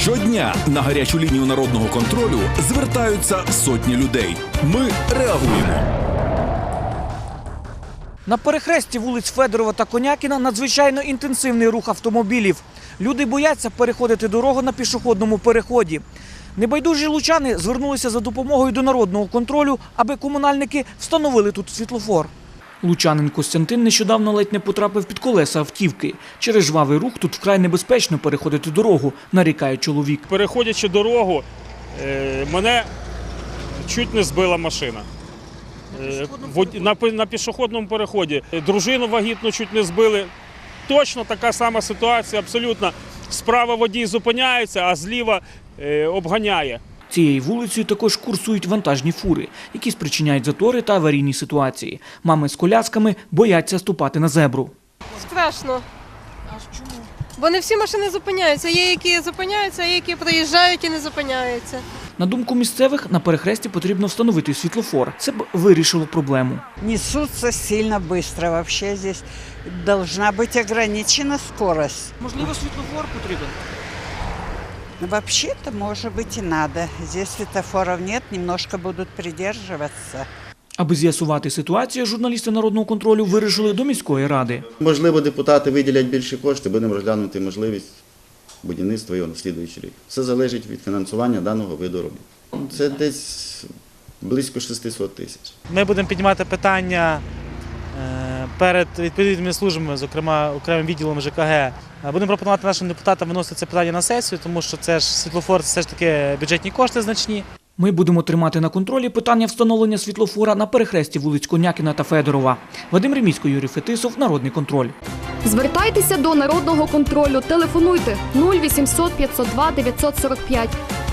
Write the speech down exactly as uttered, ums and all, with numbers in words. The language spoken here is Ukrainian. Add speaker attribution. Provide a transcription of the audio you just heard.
Speaker 1: Щодня на гарячу лінію народного контролю звертаються сотні людей. Ми реагуємо.
Speaker 2: На перехресті вулиць Федорова та Конякіна надзвичайно інтенсивний рух автомобілів. Люди бояться переходити дорогу на пішохідному переході. Небайдужі лучани звернулися за допомогою до народного контролю, аби комунальники встановили тут світлофор. Лучанин Костянтин нещодавно ледь не потрапив під колеса автівки. Через жвавий рух тут вкрай небезпечно переходити дорогу, нарікає чоловік.
Speaker 3: Переходячи дорогу, мене чуть не збила машина. На пішохідному переході. Дружину вагітну чуть не збили. Точно така сама ситуація, абсолютно. Справа водій зупиняється, а зліва обганяє.
Speaker 2: Цією вулицею також курсують вантажні фури, які спричиняють затори та аварійні ситуації. Мами з колясками бояться ступати на зебру.
Speaker 4: Страшно.
Speaker 2: А чому?
Speaker 4: Бо не всі машини зупиняються. Є, які зупиняються, а є, які приїжджають і не зупиняються.
Speaker 2: На думку місцевих, на перехресті потрібно встановити світлофор. Це б вирішило проблему.
Speaker 5: Несутся сильно быстро. Вообще здесь должна быть ограничена скорость.
Speaker 2: Можливо, світлофор потрібен?
Speaker 5: Вообще-то, может быть, и надо. Здесь светофоров нет, немножко будут придерживаться.
Speaker 2: Аби з'ясувати ситуацію, журналісти народного контролю вирішили до міської ради.
Speaker 6: Можливо, депутати виділять більше коштів, будемо розглянути можливість будівництва його на слідуючий рік. Все залежить від фінансування даного виду робіт. Це десь близько шістсот тисяч.
Speaker 7: Ми будемо піднімати питання перед відповідними службами, зокрема окремим відділом ЖКГ. Будемо пропонувати нашим депутатам виносити це питання на сесію, тому що це ж світлофор, це все ж таки бюджетні кошти значні.
Speaker 2: Ми будемо тримати на контролі питання встановлення світлофора на перехресті вулиць Конякіна та Федорова. Вадим Ремісько, Юрій Фетисов, Народний контроль.
Speaker 8: Звертайтеся до Народного контролю. Телефонуйте нуль вісімсот п'ятсот два дев'ятсот сорок п'ять.